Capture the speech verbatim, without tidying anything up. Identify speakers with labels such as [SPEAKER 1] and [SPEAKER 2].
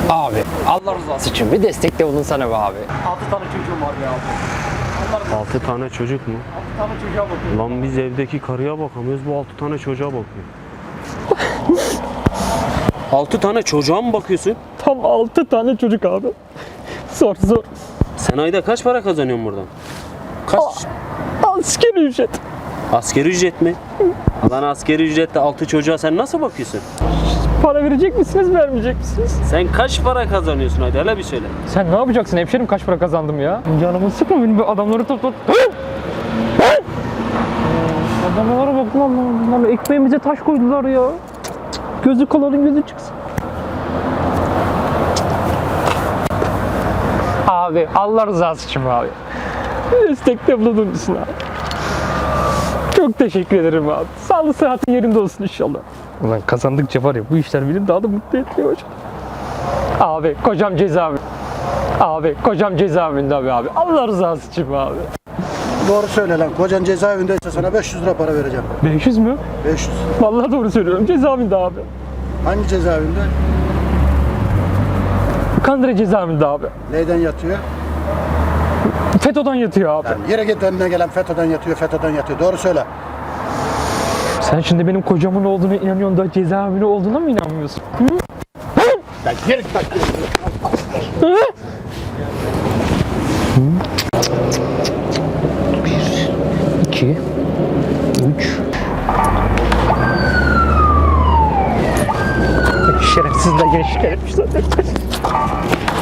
[SPEAKER 1] Abi Allah rızası için bir destekte bulunsana be abi.
[SPEAKER 2] altı tane çocuğum var ya abi.
[SPEAKER 3] Altı tane çocuk mu?
[SPEAKER 2] altı tane çocuğa bakıyorum.
[SPEAKER 3] Lan biz evdeki karıya bakamıyoruz, bu altı tane çocuğa bakıyor. Altı tane çocuğa mı bakıyorsun?
[SPEAKER 2] Tam altı tane çocuk abi. Zor zor.
[SPEAKER 3] Sen ayda kaç para kazanıyorsun buradan? Kaç?
[SPEAKER 2] Askeri ücret.
[SPEAKER 3] Asgari ücret mi? Lan asgari ücretle altı çocuğa sen nasıl bakıyorsun?
[SPEAKER 2] Para verecek misiniz, vermeyecek misiniz?
[SPEAKER 3] Sen kaç para kazanıyorsun hadi hele bir söyle.
[SPEAKER 2] Sen ne yapacaksın hemşerim, kaç para kazandım ya? Canımı sıkma benim, bu adamları topla. Adamlara bak lan lan, lan ekmeğimize taş koydular ya. Gözü kalanın gözü çıksın. Abi Allah rızası için abi. Destekte bulunur musun abi? Çok teşekkür ederim abi. Sağlık sıhhatin yerinde olsun inşallah. Ulan kazandıkça var ya, bu işler beni daha da mutlu etmeye başladı. Abi kocam cezaevi. Abi kocam cezaevinde abi abi. Allah rızası için abi.
[SPEAKER 4] Doğru söyle lan. Kocan cezaevindeyse sana beş yüz lira para vereceğim.
[SPEAKER 2] beş yüz mü?
[SPEAKER 4] beş yüz.
[SPEAKER 2] Vallahi doğru söylüyorum. Cezaevinde abi.
[SPEAKER 4] Hangi cezaevinde?
[SPEAKER 2] Kandıra cezaevinde abi.
[SPEAKER 4] Neyden yatıyor?
[SPEAKER 2] FETÖ'den yatıyor abi.
[SPEAKER 4] Lan yere git, önüne gelen FETÖ'den yatıyor, FETÖ'den yatıyor. Doğru söyle.
[SPEAKER 2] Sen şimdi benim kocamın olduğuna inanıyorsun da cezaevinde olduğuna mı inanmıyorsun? Hı?
[SPEAKER 4] Lan yere git, bak.
[SPEAKER 2] Hı? Bir, iki, üç. Şerefsizler gençlik etmişler.